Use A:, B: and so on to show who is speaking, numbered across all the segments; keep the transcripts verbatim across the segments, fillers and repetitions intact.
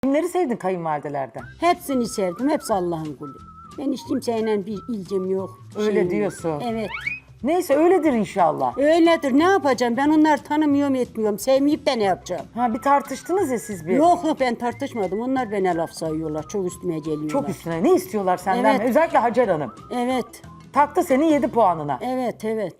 A: Kimleri sevdin kayınvalidelerden?
B: Hepsini sevdim. Hepsi Allah'ın kulü. Ben hiç kimseyle bir ilgim yok.
A: Öyle
B: şeyim yok.
A: diyorsun.
B: Evet.
A: Neyse öyledir inşallah.
B: Öyledir. Ne yapacağım? Ben onları tanımıyorum, etmiyorum. Sevmeyip de ne yapacağım?
A: Ha bir tartıştınız ya siz bir.
B: Yok yok ben tartışmadım. Onlar bana laf sayıyorlar. Çok üstüme geliyorlar.
A: Çok üstüne. Ne istiyorlar senden?
B: Evet.
A: Özellikle Hacer Hanım.
B: Evet.
A: Taktı senin yedi puanına.
B: Evet, evet.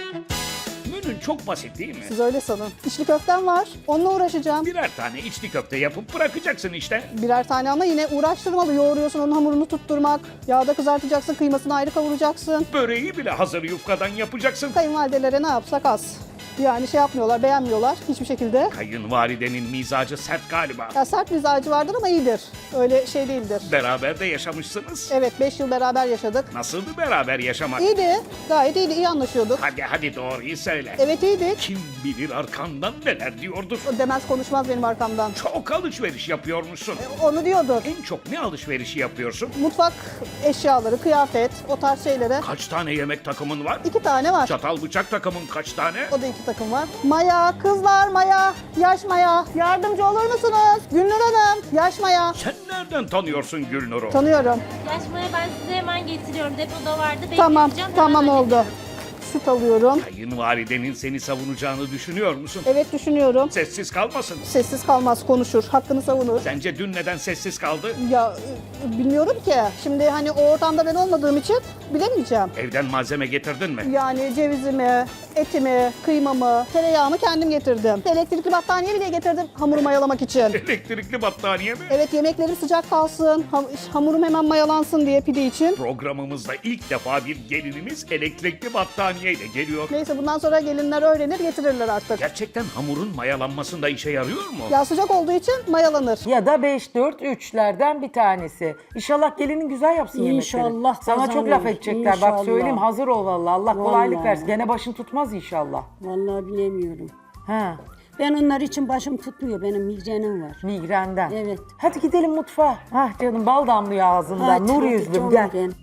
C: Menün çok basit değil mi?
D: Siz öyle sanın. İçli köftem var. Onunla uğraşacağım.
C: Birer tane içli köfte yapıp bırakacaksın işte.
D: Birer tane ama yine uğraştırmalı. Yoğuruyorsun onun hamurunu tutturmak. Yağda kızartacaksın. Kıymasını ayrı kavuracaksın.
C: Böreği bile hazır yufkadan yapacaksın.
D: Kayınvalidelere ne yapsak az. Yani şey yapmıyorlar, beğenmiyorlar hiçbir şekilde.
C: Kayınvalidenin mizacı sert galiba.
D: Ya sert mizacı vardır ama iyidir. Öyle şey değildir.
C: Beraber de yaşamışsınız.
D: Evet beş yıl beraber yaşadık.
C: Nasıldı beraber yaşamak?
D: İyiydi. Gayet iyiydi. İyi anlaşıyorduk.
C: Hadi hadi doğruyu söyle.
D: Evet iyiydik.
C: Kim bilir arkandan neler diyordur.
D: O demez konuşmaz benim arkamdan.
C: Çok alışveriş yapıyormuşsun.
D: Onu diyordur.
C: En çok ne alışverişi yapıyorsun?
D: Mutfak eşyaları, kıyafet, o tarz şeylere.
C: Kaç tane yemek takımın var?
D: İki tane var.
C: Çatal bıçak takımın kaç tane?
D: O da iki takım var. Maya, kızlar Maya, yaş Maya. Yardımcı olur musunuz? Gülnur Hanım, yaş Maya.
C: Sen nereden tanıyorsun Gülnur'u?
D: Tanıyorum.
E: Yaşmaya ben size hemen getiriyorum. Depoda vardı.
D: Tamam,
E: bekleteceğim,
D: tamam
E: hemen
D: oldu. Süt alıyorum.
C: Kayınvalidenin seni savunacağını düşünüyor musun?
D: Evet düşünüyorum.
C: Sessiz kalmasın.
D: Sessiz kalmaz, konuşur, hakkını savunur.
C: Sence dün neden sessiz kaldı?
D: Ya e, bilmiyorum ki. Şimdi hani o ortamda ben olmadığım için bilemeyeceğim.
C: Evden malzeme getirdin mi?
D: Yani cevizimi, etimi, kıymamı, tereyağımı kendim getirdim. Elektrikli battaniye bile getirdim hamuru mayalamak için.
C: Elektrikli battaniye mi?
D: Evet yemeklerim sıcak kalsın, ham- hamurum hemen mayalansın diye pide için.
C: Programımızda ilk defa bir gelinimiz elektrikli battaniyeyle geliyor.
D: Neyse bundan sonra gelinler öğrenir getirirler artık.
C: Gerçekten hamurun mayalanmasında işe yarıyor mu?
D: Ya sıcak olduğu için mayalanır.
A: Ya da beş dört üçlerden bir tanesi. İnşallah gelinin güzel yapsın yemekleri.
B: İnşallah
A: Sana çok
B: kazanır.
A: laf edecekler. Bak
B: İnşallah.
A: söyleyeyim hazır ol vallahi. Allah kolaylık
B: Vallahi.
A: versin. Gene başın tutmaz inşallah.
B: Vallahi bilemiyorum.
A: Ha,
B: Ben onlar için başım tutmuyor. Benim migrenim var.
A: migrenden.
B: Evet.
A: Hadi gidelim mutfağa. Hah canım bal damlıyor ağzından.
B: Hadi,
A: Nur
B: hadi
A: yüzlüm
B: canım
A: gel.
B: ben.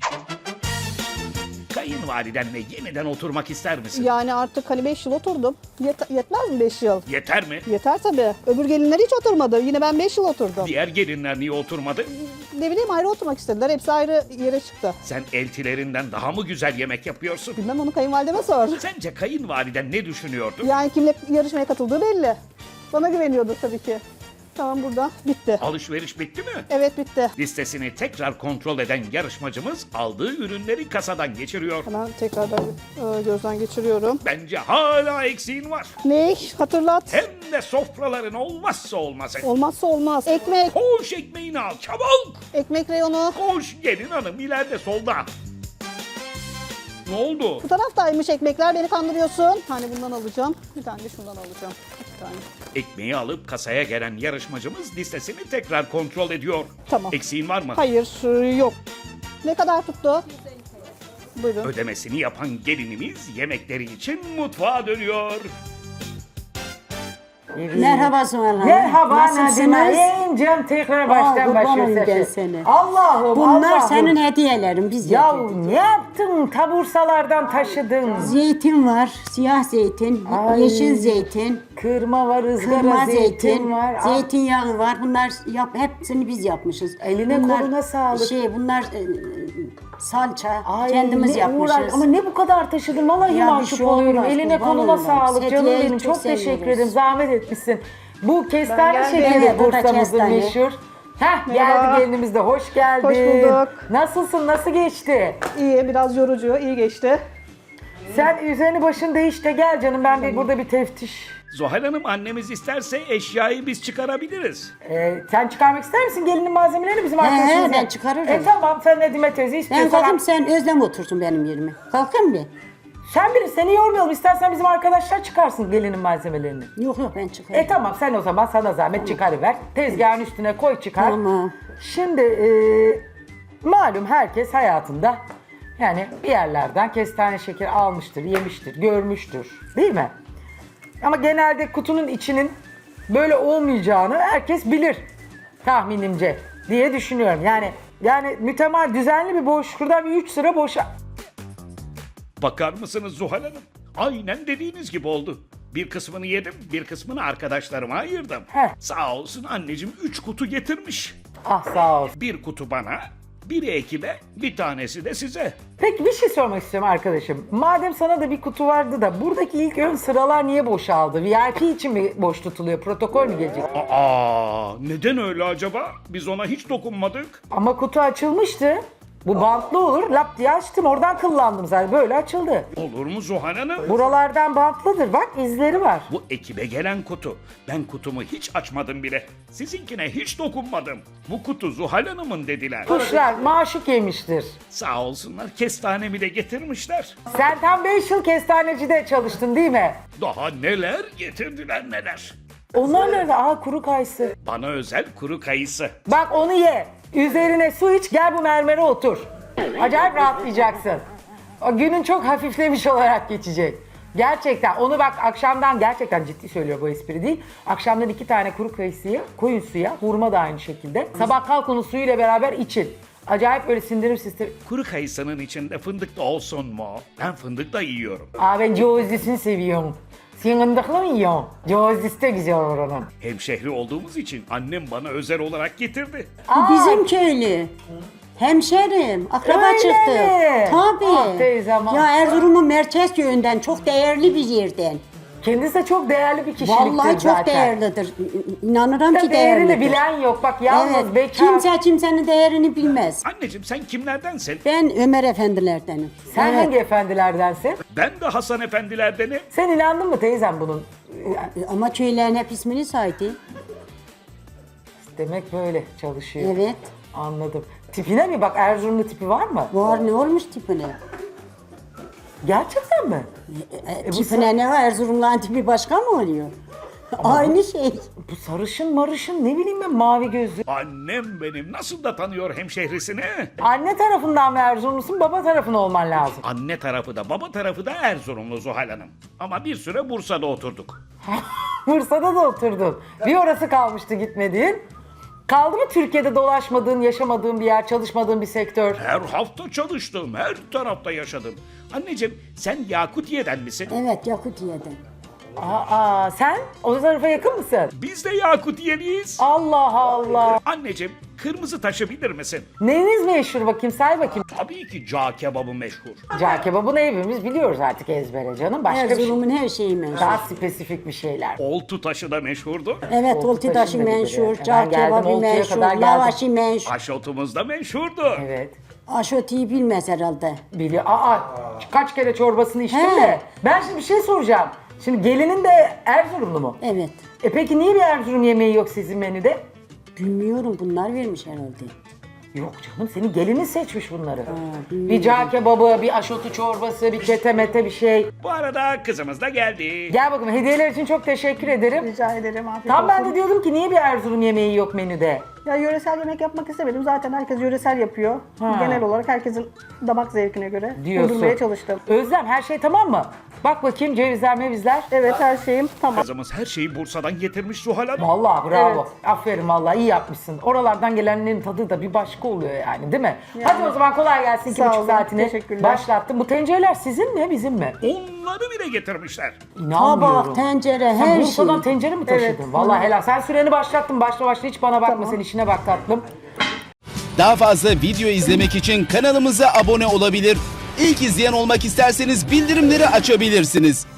C: Kayınvalidenle yeniden oturmak ister misin?
D: Yani artık hani beş yıl oturdum. Yet- yetmez mi beş yıl?
C: Yeter mi?
D: Yeter tabii. Öbür gelinler hiç oturmadı. Yine ben beş yıl oturdum.
C: Diğer gelinler niye oturmadı?
D: Ne bileyim ayrı oturmak istediler. Hepsi ayrı yere çıktı.
C: Sen eltilerinden daha mı güzel yemek yapıyorsun?
D: Bilmem onu kayınvalideme sor.
C: Sence kayınvaliden ne düşünüyordu?
D: Yani kimle yarışmaya katıldığı belli. Bana güveniyordur tabii ki. Tamam burada. Bitti.
C: Alışveriş bitti mi?
D: Evet bitti.
C: Listesini tekrar kontrol eden yarışmacımız aldığı ürünleri kasadan geçiriyor.
D: Hemen tekrardan e, gözden geçiriyorum.
C: Bence hala eksiğin var.
D: Ne? Hatırlat.
C: Hem de sofraların olmazsa olmazı.
D: Olmazsa olmaz. Ekmek.
C: Koş ekmeğini al çabuk.
D: Ekmek reyonu.
C: Koş gelin hanım ileride solda. Ne oldu?
D: Bu taraftaymış ekmekler. Beni kandırıyorsun. Hani bundan alacağım. Bir tane de şundan alacağım. Bir tane.
C: Ekmeği alıp kasaya gelen yarışmacımız listesini tekrar kontrol ediyor.
D: Tamam.
C: Eksiğin var mı?
D: Hayır e, yok. Ne kadar tuttu? Buyurun.
C: Ödemesini yapan gelinimiz yemekleri için mutfağa dönüyor.
B: Merhaba Zuhal Hanım.
A: Merhaba
B: Nasılsınız?
A: Nadine. İncem tekrar baştan
B: kurban olayım
A: başlıyor
B: ben
A: sesi.
B: seni.
A: Allah'ım
B: Bunlar
A: Allah'ım.
B: senin hediyelerin. Biz
A: Ya
B: yedik.
A: ne yaptın? Tabursalardan taşıdın.
B: Zeytin var, siyah zeytin,
A: Ay.
B: yeşil zeytin,
A: Kırma var, ızgara
B: kırma
A: zeytin,
B: zeytin,
A: var. Ah,
B: zeytinyağı var. Bunlar yap, hepsini biz yapmışız.
A: Eline
B: bunlar,
A: koluna sağlık.
B: Şey, bunlar e, salça,
A: ay,
B: kendimiz
A: ne
B: yapmışız.
A: uğraş- Ama ne bu kadar taşıdın? Vallahi
B: Ya bir
A: mahcup
B: şey
A: oluyorum.
B: olmaz,
A: Eline
B: kurban
A: koluna
B: olayım.
A: sağlık canım
B: Hediyeyi
A: benim. Çok,
B: çok
A: teşekkür
B: seviyoruz.
A: ederim. Zahmet etmişsin. Bu kestane
D: geldim.
A: şekeri
B: Evet, bu da
A: Bursa'mızın
B: kestane.
A: meşhur. Heh
D: Merhaba.
A: geldi gelinimiz de. Hoş geldin.
D: Hoş bulduk.
A: Nasılsın? Nasıl geçti?
D: İyi, biraz yorucu, iyi geçti.
A: Sen üzerini başını değiş de gel canım. Ben bir burada bir teftiş.
C: Zuhal Hanım annemiz isterse eşyayı biz çıkarabiliriz.
A: Ee, sen çıkarmak ister misin gelinin malzemelerini bizim
B: He,
A: arkadaşımıza?
B: ben çıkarırım.
A: E tamam sen Nedime teyze
B: Ben
A: istiyorsan.
B: kalkayım sen Özlem otursun benim yerime. Kalkayım mı?
A: Sen biri seni yormayalım. İstersen bizim arkadaşlar çıkarsın gelinin malzemelerini.
B: Yok yok ben çıkarım.
A: E tamam sen o zaman sana zahmet çıkarıver. Tezgahın üstüne koy çıkar.
B: Tamam.
A: Şimdi e, malum herkes hayatında yani bir yerlerden kestane şekeri almıştır, yemiştir, görmüştür. Değil mi? Ama genelde kutunun içinin böyle olmayacağını herkes bilir tahminimce diye düşünüyorum. Yani yani mütemel düzenli bir boş, şuradan bir üç sıra boşa.
C: Bakar mısınız Zuhal Hanım? Aynen dediğiniz gibi oldu. Bir kısmını yedim, bir kısmını arkadaşlarıma ayırdım.
A: Heh.
C: Sağ olsun anneciğim üç kutu getirmiş.
A: Ah sağ ol.
C: Bir kutu bana, biri ekibe, bir tanesi de size.
A: Peki bir şey sormak istiyorum arkadaşım. Madem sana da bir kutu vardı da buradaki ilk ön sıralar niye boşaldı? V I P için mi boş tutuluyor? Protokol mü gelecek?
C: Aa, neden öyle acaba? Biz ona hiç dokunmadık.
A: Ama kutu açılmıştı. Bu bantlı olur. Lap diye açtım. Oradan kıllandım zaten. Böyle açıldı.
C: Olur mu Zuhal Hanım?
A: Buralardan bantlıdır. Bak izleri var.
C: Bu ekibe gelen kutu. Ben kutumu hiç açmadım bile. Sizinkine hiç dokunmadım. Bu kutu Zuhal Hanım'ın dediler.
A: Kuşlar maşuk yemiştir.
C: Sağ olsunlar kestanemi de getirmişler.
A: Sen tam beş yıl kestanecide çalıştın değil mi?
C: Daha neler getirdiler neler.
A: Onlar nerede? Aa kuru kayısı.
C: Bana özel kuru kayısı.
A: Bak onu ye. Üzerine su iç. Gel bu mermere otur. Acayip rahatlayacaksın. O günün çok hafiflemiş olarak geçecek. Gerçekten onu bak akşamdan gerçekten ciddi söylüyor bu espri değil. Akşamdan iki tane kuru kayısıyı koyun suya, hurma da aynı şekilde. Sabah kalk onu suyuyla beraber için. Acayip böyle sindirim sistemi.
C: Kuru kayısının içinde fındık da olsun mu? Ben fındık da yiyorum.
A: Aa ben cevizlisini seviyorum. Sen fındıklı mı yiyorsun? Cevizlisi de güzel olur onun.
C: Hemşehri olduğumuz için annem bana özel olarak getirdi.
B: Bu bizim köylü. Hemşerim, akraba
A: Öyle
B: çıktı.
A: mi?
B: Tabii.
A: Ah teyzem, ah.
B: Ya Erzurum'un merkez köyünden çok değerli bir yerden.
A: Kendisi de çok değerli bir kişiliktir
B: Vallahi çok
A: zaten.
B: değerlidir. İnanırım
A: Ya
B: ki
A: değerini
B: değerlidir.
A: bilen yok. Bak yalnız
B: Evet,
A: bekar.
B: kimse kimsenin değerini bilmez.
C: Anneciğim sen kimlerdensin?
B: Ben Ömer efendilerdenim.
A: Sen
B: Evet.
A: hangi efendilerdensin?
C: Ben de Hasan efendilerdenim.
A: Sen inandın mı teyzem bunun?
B: E, Ama köylerin hep ismini saydı.
A: Demek böyle çalışıyor.
B: Evet.
A: Anladım. Tipine mi bak, Erzurumlu tipi var mı?
B: Var ne olmuş tipine?
A: Gerçekten mi?
B: E, tipine ne var? Erzurumlu'nun tipi başka mı oluyor? Aynı şey.
A: Bu sarışın marışın ne bileyim ben, mavi gözlü.
C: Annem benim nasıl da tanıyor hemşehrisini?
A: Anne tarafından mı Erzurumlusun, baba tarafın olman lazım.
C: Anne tarafı da baba tarafı da Erzurumlu Zuhal Hanım. Ama bir süre Bursa'da oturduk.
A: Bursa'da da oturdun. Bir orası kalmıştı gitmediğin. Kaldı mı Türkiye'de dolaşmadığın, yaşamadığın bir yer, çalışmadığın bir sektör?
C: Her hafta çalıştım, her tarafta yaşadım. Anneciğim sen Yakutiye'den misin?
B: Evet Yakutiye'den.
A: Aa, sen o tarafa yakın mısın?
C: Biz de Yakutiyeliyiz.
A: Allah Allah.
C: Anneciğim kırmızı taşı bilir misin?
A: Neyiniz meşhur bakayım, say bakayım.
C: Tabii ki cağ kebabı meşhur.
A: Cağ kebabını hepimiz biliyoruz artık ezbere canım. Başka bir şey.
B: Erzurum'un her şeyi meşhur.
A: Daha spesifik bir şeyler.
C: Oltu taşı da meşhurdu.
B: Evet,
A: Oltu
B: oltu taşı
A: taşında gibi.
B: meşhur,
A: Ben
B: cağ
A: geldim,
B: kebabı
A: Oltu'ya
B: meşhur,
A: kadar geldim.
B: lavaşı meşhur.
C: Aşotumuz da meşhurdu.
A: Evet.
B: Aşotiyi bilmez herhalde.
A: Biliyor. Aa, kaç kere çorbasını içtim
B: He.
A: de. Ben şimdi bir şey soracağım. Şimdi gelinin de Erzurumlu mu?
B: Evet.
A: E peki niye bir Erzurum yemeği yok sizin menüde?
B: Bilmiyorum, bunlar vermiş herhalde.
A: Yok canım, senin gelinin seçmiş bunları. bir
B: bilmiyorum.
A: cağ kebabı, bir aşotu çorbası, bir ketemete bir şey.
C: Bu arada kızımız da geldi.
A: Gel bakalım, hediyeler için çok teşekkür ederim.
D: Rica ederim. Afiyet
A: Tam ben
D: olsun.
A: de diyordum ki niye bir Erzurum yemeği yok menüde?
D: Ya yöresel yemek yapmak istemedim. Zaten herkes yöresel yapıyor.
A: Ha.
D: Genel olarak herkesin damak zevkine göre
A: Diyorsun.
D: uydurmaya çalıştım.
A: Özlem, her şey tamam mı? Bak bakayım, cevizler mevizler.
D: Evet, her şeyim tamam.
C: Kızımız her şeyi Bursa'dan getirmiş Zuhal Hanım.
A: Vallahi bravo.
D: Evet.
A: Aferin vallahi, iyi yapmışsın. Oralardan gelenlerin tadı da bir başka oluyor yani, değil mi? Hadi o zaman kolay gelsin, iki
D: Sağ
A: buçuk
D: olun,
A: saatini
D: teşekkürler.
A: başlattım. Bu tencereler sizin mi bizim mi?
C: Onları bile getirmişler.
A: İnanmıyorum.
B: Tabak, tencere,
A: Sen
B: her şey.
A: Bursa'dan tencere mi taşıdın?
D: Evet.
A: Vallahi helal. Sen süreni başlattın. Başla başla, hiç bana bakma,
D: Tamam.
A: sen işine bak tatlım.
F: Daha fazla video izlemek için kanalımıza abone olabilir. İlk izleyen olmak isterseniz bildirimleri açabilirsiniz.